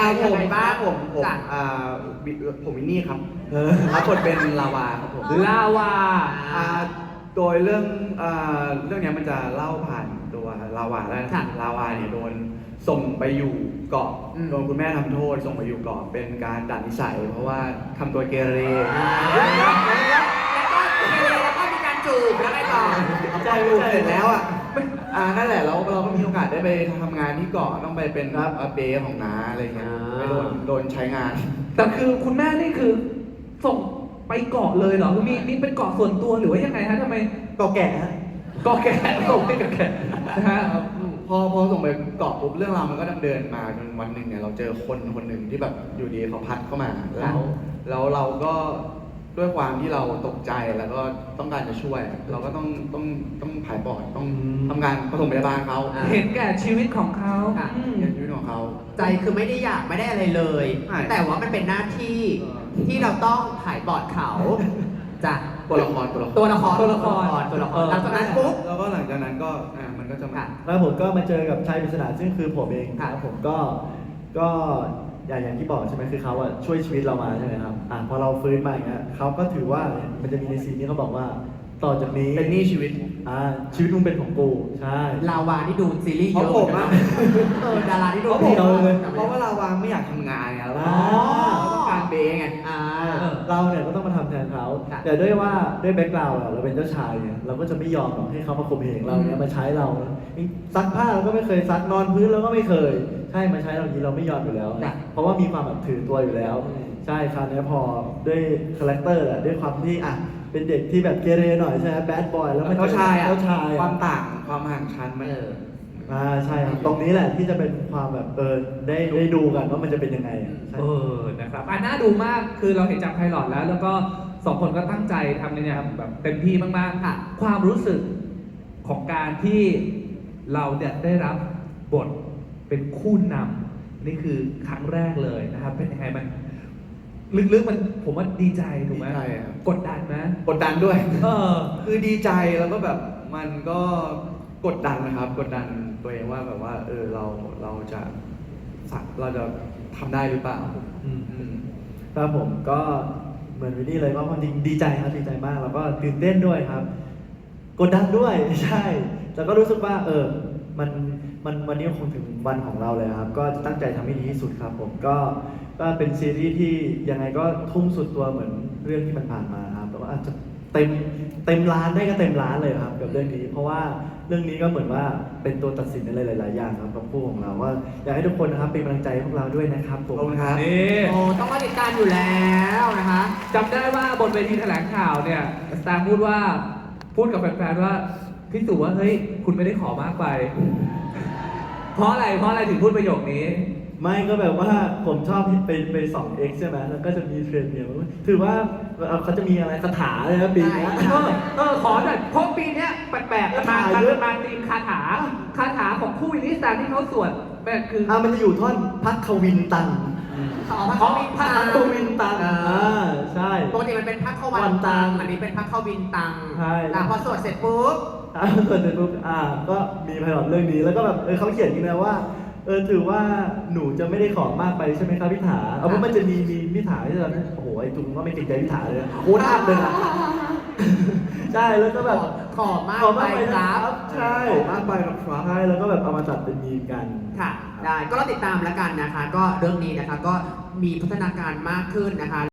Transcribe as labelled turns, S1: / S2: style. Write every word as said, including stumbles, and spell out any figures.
S1: ยังไงบ้าง
S2: ผมผม
S1: จ้ะ
S2: อ่าวิผมวินนี่ครับรับบทเป็นลาวาครับผม
S3: ลาวา
S2: อ่าโดยเรื่องอ่าเรื่องเนี้ยมันจะเล่าผ่านตัวลาวาได้นะ
S1: ค่ะ
S2: ลาวาเนี่ยโดนส่งไปอยู่เกาะ
S1: อืม
S2: โดนคุณแม่ทำโทษส่งไปอยู่เกาะเป็นการดัดนิสัย เพราะว่าทำตัวเกเร
S1: แล้วก็แล้วก็มีการจูบแล้วไงต่อ
S2: ใจลูกเสร็จแล้วอ่ะอ่านั่นแหละเราเราก็มีโอกาสได้ไปทำงานที่เกาะต้องไปเป็นรับเบย์ของน้าอะไรเงี้ย
S1: อ่า
S2: ไปโดนโดนใช้งาน
S3: แต่คือคุณแม่นี่คือส่งไปเกาะเลยเหรอคือมีมีเป็นเกาะส่วนตัวหรือว่ายังไงฮะทำไม
S2: เกาะแก่ฮะ
S3: เกาะแก่ส่งไปกับแก่นะฮะ
S2: พอพอส่งไปเกาะปุ๊บเรื่องราวมันก็ดำเนินมาจนวันหนึ่งเนี่ยเราเจอคนคนหนึ่งที่แบบอยู่ดีเขาพัดเข้ามาแล้วแล้วเราก็ด้วยความที่เราตกใจแล้วก็ต้องการจะช่วย เราก็ต้องต้องต้องผายปอดต้องทำงานปฐมพยาบาลเขา
S1: อ่า
S3: เห็นแก่ชีวิตของเขา
S1: ค่ะ
S3: อืม
S2: เรียนชีวิตของเขา
S1: ใจคือไม่ได้อยากไม่ได้อะไรเลย
S2: ใช่
S1: แต่ว่ามันเป็นหน้าที่
S2: เออ
S1: ที่เราต้องถ่ายบอร์ดเขาจ้ะ
S2: ตัวละครตัวละคร
S1: ตัวละคร
S3: ตัวละคร
S1: ตัวละค
S3: เอ
S1: ร
S3: อ
S1: หลังจากนั้นปุ๊บ
S2: แล้วก็หลังจากนั้นก็อ่ามันก็จะมา
S1: ค่ะ
S4: แล้วผมก็มาเจอกับชายปริศนาซึ่งคือผมเอง
S1: ค่ะ
S4: ครับผมก็ก็อย่างอย่างที่บอกใช่ไหมคือเขาอะช่วยชีวิตเรามาใช่ไหมครับอ่าพอเราฟื้นมาอย่างเงี้ยเขาก็ถือว่ามันจะมีในซีนที่เขาบอกว่าต่อจากนี้
S2: เป็นหนี้ชีวิต
S4: อ่าชีวิตมึงเป็นของกูใช่
S1: ลาวาที่ดูซีรีส์
S2: เพ
S1: เย
S2: ราะ
S1: อะ
S2: ผม
S1: เหมือน
S2: อะ
S1: กันนะเออดาราที่ดู
S2: เพราะผม
S4: เราเลย
S2: เพราะว่าลาวางไม่อยากทำงานไงแล้ว
S4: อ๋อ
S2: เราต้องการเบย์ไง
S1: อ่า
S4: เราเนี่ยก็ต้องมาทำแทนเขา
S1: ค่ะ
S4: แต่ด้วยว่าด้วยแบ็คกราวด์เราเป็นเจ้าชายเนี่ยเราก็จะไม่ยอมหรอกให้เขามาข่มเหงเราเนี่ยมาใช้เราซักผ้าเราก็ไม่เคยซักนอนพื้นเราก็ไม่เคย ใช่มาใช้เราอย่างนี้เราไม่ยอมอยู่แล้ว
S1: ค่ะ
S4: เพราะว่ามีความแบบถือตัวอยู่แล้ว
S1: อืม
S4: ใช่คราวนี้พอด้วยคาแรคเตอร์แหละด้วยความที่อ่ะเป็นเด็กที่แบบเกเรหน่อยใช่ไหมแบดบอยแล้วมัน
S2: เจ้าชายอ่ะ
S4: เจ้าชาย
S2: ควา
S4: อ่ะ
S2: มต่างความห่างชั้นมัน
S1: เออ
S4: อ่าใช่ครับตรงนี้แหละที่จะเป็นความแบบเออได้ได้ดูกันว่ามันจะเป็นยังไงอ่ะใช่
S3: เออ นะครับอ่ะน่าดูมาก คือเราเห็นจากไพลอตแล้ว แล้วก็สองคนก็ตั้งใจทำในเนี่ยแบบเต็มที่มากๆ
S1: ค่ะ
S3: ความรู้สึกของการที่เราเนี่ยได้รับบทเป็นคู่นำนี่คือครั้งแรกเลยนะครับ เป็นยังไงมันลึกๆมันผมว่าดีใจถูกไหม
S2: ดีใจครับ
S3: กดดันไหม
S2: กดดันด้วย
S3: เออ
S2: คือดีใจแล้วก็แบบมันก็กดดันนะครับ กดดันตัวเองว่าแบบว่าเออเราเราจะสักเราจะทำได้หรือเปล่า
S4: อืม
S2: อืม
S4: ครับผมก็เหมือนวินนี่เลยว่าความจริงดีใจครับดีใจมากแล้วก็ตื่นเต้นด้วยครับ กดดันด้วย ใช่แล้วก็รู้สึกว่าเออมันมันวันนี้คงถึงวันของเราเลยครับ ก็จะตั้งใจทำให้ดีที่สุดครับ ผมก็ก็เป็นซีรีส์ที่ยังไงก็ทุ่มสุดตัวเหมือนเรื่องที่มันผ่านมาครับแต่ว่าอาจจะเต็มเต็มล้านได้ก็เต็มล้านเลยครับกับเรื่องนี้ เพราะว่าเรื่องนี้ก็เหมือนว่าเป็นตัวตัดสินในหลาย ๆ อย่างครับกับคู่ของเราว่าอยากให้ทุกคนนะครับเป็นกำลังใจให้พวกเราด้วยนะครับผ
S2: ข
S4: ม
S2: อบคุณครับ
S3: นี่
S1: โอ้ต้องมาติดตามอยู่แล้วนะคะ
S3: จำได้ว่าบนเวทีแถลงข่าวเนี่ยสตาร์พูดว่าพูดกับแฟนๆว่าพี่สุว่าเฮ้ยคุณไม่ได้ขอมากไป เพราะอะไรเพราะอะไรถึงพูดประโยคนี้
S4: ไม่ก็แบบว่าผมชอบไปไปส่อง X ใช่ไหมแล้วก็จะมีเทรนด์เนี่ยถือว่าเขาจะมีอะไรคาถาเลยนะปีนี้
S1: ใช่
S3: เออเออขอหน่อยเพราะปีเนี้ยแปลกๆกันมา
S4: คาถาเยอะ
S3: มาตีมคาถาคาถาของคู่วินนี่สแตนที่เขาสวดแบบคือ
S4: อ่ะมันจะอยู่ท่อนพักควินตัง
S1: อ๋อพักเข้าวินตัง
S4: พักควินตัง
S1: เอ
S4: อ่า
S1: อ
S4: ใช่
S1: ปกติมันเป็นพักเข้า
S4: วั
S1: วัน
S4: นตั
S1: ตัง
S4: ง
S1: อันนี้เป็นพักเข้าวินตัง
S4: ใช่
S1: แต่พอสวดเสร็จปุ๊บ
S4: อ่าส่วนเสร็จปุ๊บอ่าก็มีไพลอตเรื่องนี้แล้วก็แบบเออเขาเขียนอย่างนี้นะว่าเออถือว่าหนูจะไม่ได้ขอมากไปใช่ไหมครับพี่ถาเอาเพราะมันจะมีมีพี่ถาที่ตอนนั้นโอ้โหไอ้จุงก็ไม่เกรงใจพี่ถาเลยโคตรอัพเลยนะ ใช่แล้วก็แบบ
S1: ขอมาก
S4: ขอ
S1: ไป
S4: มากไป
S1: ค
S4: ค
S1: รั
S4: รับ บใช่
S2: ขอมากไปนะครับ
S4: ใช่แล้วก็แบบเอามาจัดเป็นมีมกัน
S1: ค่ะ ได้ ก็เราติดตามแล้วกันนะคะ ก็เรื่องนี้นะคะ ก็มีพัฒนาการมากขึ้นนะคะ